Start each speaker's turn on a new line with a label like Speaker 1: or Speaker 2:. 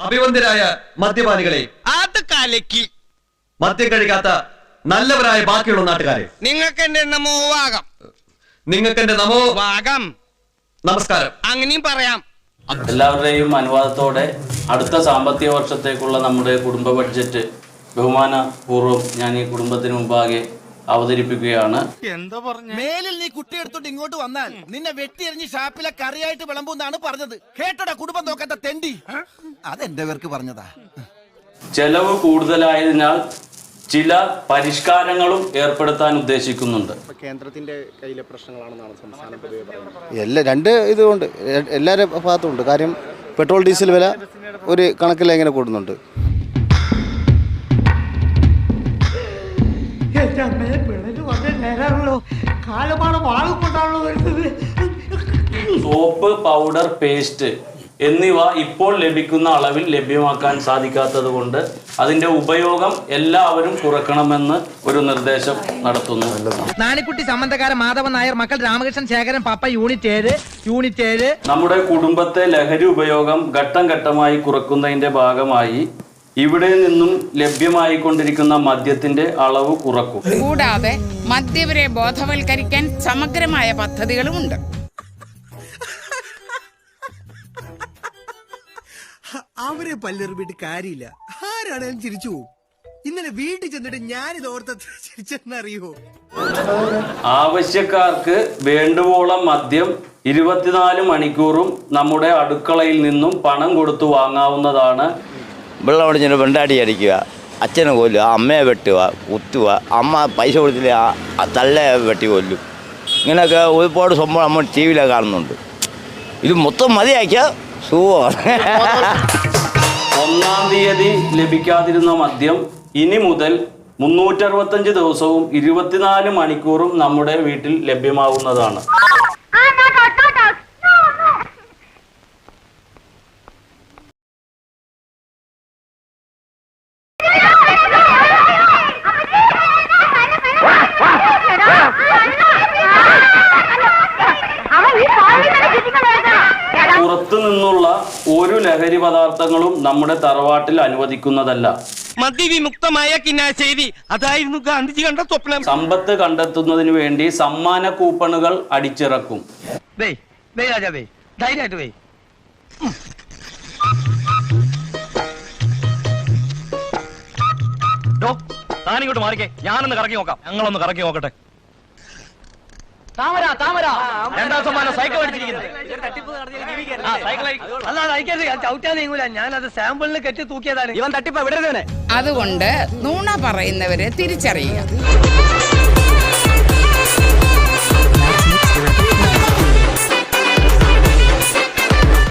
Speaker 1: അഭിവന്ദരായ മദ്യപാനികളെ,
Speaker 2: അത് കലക്കി.
Speaker 1: മദ്യം കഴിക്കാത്ത നല്ലവരായ ബാക്കിയുള്ള നാട്ടുകാരെ,
Speaker 2: നിങ്ങൾക്ക് എന്റെ നമോവാകം.
Speaker 1: നിങ്ങൾക്ക് എന്റെ
Speaker 2: നമോവാകം.
Speaker 1: നമസ്കാരം.
Speaker 2: അങ്ങനെയും പറയാം.
Speaker 3: എല്ലാവരുടെയും അനുവാദത്തോടെ അടുത്ത സാമ്പത്തിക വർഷത്തേക്കുള്ള നമ്മുടെ കുടുംബ ബഡ്ജറ്റ് ബഹുമാനപൂർവ്വം ഞാൻ ഈ കുടുംബത്തിന് മുമ്പാകെ അവതരിപ്പിക്കുകയാണ്.
Speaker 2: എന്താ പറഞ്ഞു?
Speaker 4: മേലിൽ നീ കുട്ടി എടുത്തോണ്ട് ഇങ്ങോട്ട് വന്നാൽ നിന്നെ വെട്ടിയെറിഞ്ഞ് ഷാപ്പിലെ കറിയായിട്ട് വിളമ്പുന്നാണ് പറഞ്ഞത്. കേട്ടോടാ കുടുംബം നോക്കാത്ത തെണ്ടി. അതെന്റെ പേർക്ക് പറഞ്ഞതാ.
Speaker 3: ചെലവ് കൂടുതലായതിനാൽ ചില പരിഷ്കാരങ്ങളും ഏർപ്പെടുത്താൻ ഉദ്ദേശിക്കുന്നുണ്ട്.
Speaker 5: കേന്ദ്രത്തിന്റെ കയ്യിലെ പ്രശ്നങ്ങളാണെന്നാണ് സംസ്ഥാനം പൊതുവെ പറയുന്നത്. രണ്ട് ഇതുകൊണ്ട് എല്ലാവരുടെ ഭാഗത്തുണ്ട്. കാര്യം പെട്രോൾ ഡീസൽ വില ഒരു കണക്കിൽ എങ്ങനെ കൂടുന്നുണ്ട്.
Speaker 3: സോപ്പ്, പൗഡർ, പേസ്റ്റ് എന്നിവ ഇപ്പോൾ ലഭിക്കുന്ന അളവിൽ ലഭ്യമാക്കാൻ സാധിക്കാത്തത് കൊണ്ട് അതിന്റെ ഉപയോഗം എല്ലാവരും കുറക്കണമെന്ന് ഒരു നിർദ്ദേശം നടത്തുന്നു.
Speaker 6: നാണിക്കുട്ടി സമ്മന്തക്കാരൻ മാധവൻ നായർ, മക്കൾ രാമകൃഷ്ണൻ ശേഖരൻ പാപ്പ, യൂണിറ്റ് 7.
Speaker 3: നമ്മുടെ കുടുംബത്തെ ലഹരി ഉപയോഗം ഘട്ടം ഘട്ടമായി കുറക്കുന്നതിന്റെ ഭാഗമായി ഇവിടെ നിന്നും ലഭ്യമായിക്കൊണ്ടിരിക്കുന്ന മദ്യത്തിന്റെ അളവ് കുറക്കും.
Speaker 7: കൂടാതെ മദ്യവരെ ബോധവൽക്കരിക്കാൻ സമഗ്രമായ പദ്ധതികളുമുണ്ട്.
Speaker 4: അവരെ പല്ലെറിഞ്ഞിട്ട് കാര്യമില്ല. ആരാണേലും ചിരിച്ചു പോകും. ഇന്നലെ വീട്ടിൽ ചെന്നിട്ട് ഞാനിത് ഓർത്ത ചിരിച്ചെന്നറിയോ?
Speaker 3: ആവശ്യക്കാർക്ക് വേണ്ടുവോളം മദ്യം 24 മണിക്കൂറും നമ്മുടെ അടുക്കളയിൽ നിന്നും പണം കൊടുത്തു വാങ്ങാവുന്നതാണ്.
Speaker 8: വെള്ളം ഒടിഞ്ഞിട്ട് വെണ്ടാടി അടിക്കുക, അച്ഛനെ കൊല്ലുക, അമ്മയെ വെട്ടുക, കുത്തുക, അമ്മ പൈസ കൊടുത്തില്ല തള്ളയെ വെട്ടി കൊല്ലും. ഇങ്ങനെയൊക്കെ ഒരുപാട് സംഭവം നമ്മൾ ടി വിയിലൊക്കെ കാണുന്നുണ്ട്. ഇത് മൊത്തം മതിയാക്കിയാൽ സുഖമാണ്.
Speaker 3: 1-ാം തീയതി ലഭിക്കാതിരുന്ന മദ്യം ഇനി മുതൽ 365 ദിവസവും 24 മണിക്കൂറും നമ്മുടെ വീട്ടിൽ ലഭ്യമാവുന്നതാണ്. പുറത്തു നിന്നുള്ള ഒരു ലഹരി പദാർത്ഥങ്ങളും നമ്മുടെ തറവാട്ടിൽ അനുവദിക്കുന്നതല്ല.
Speaker 2: മദ്യവിമുക്തമായ കിന്നാശ്ശേരി, അതായിരുന്നു ഗാന്ധിജി കണ്ട സ്വപ്നം.
Speaker 3: സമ്പത്ത് കണ്ടെത്തുന്നതിന് വേണ്ടി സമ്മാന കൂപ്പണുകൾ അടിച്ചിറക്കും.
Speaker 1: താനിങ്ങോട്ട് മാറിക്കേ, ഞാനൊന്ന് കറക്കി നോക്കാം. ഞങ്ങളൊന്ന് കറക്കി നോക്കട്ടെ. രണ്ടാം സമ്മാനം സൈക്കിൾ അടിച്ചിരിക്കുന്നത്.
Speaker 6: ഞാനത് സാമ്പിളിന് കെട്ടി തൂക്കിയതാണ്.
Speaker 7: അതുകൊണ്ട് നുണ പറയുന്നവരെ തിരിച്ചറിയുക.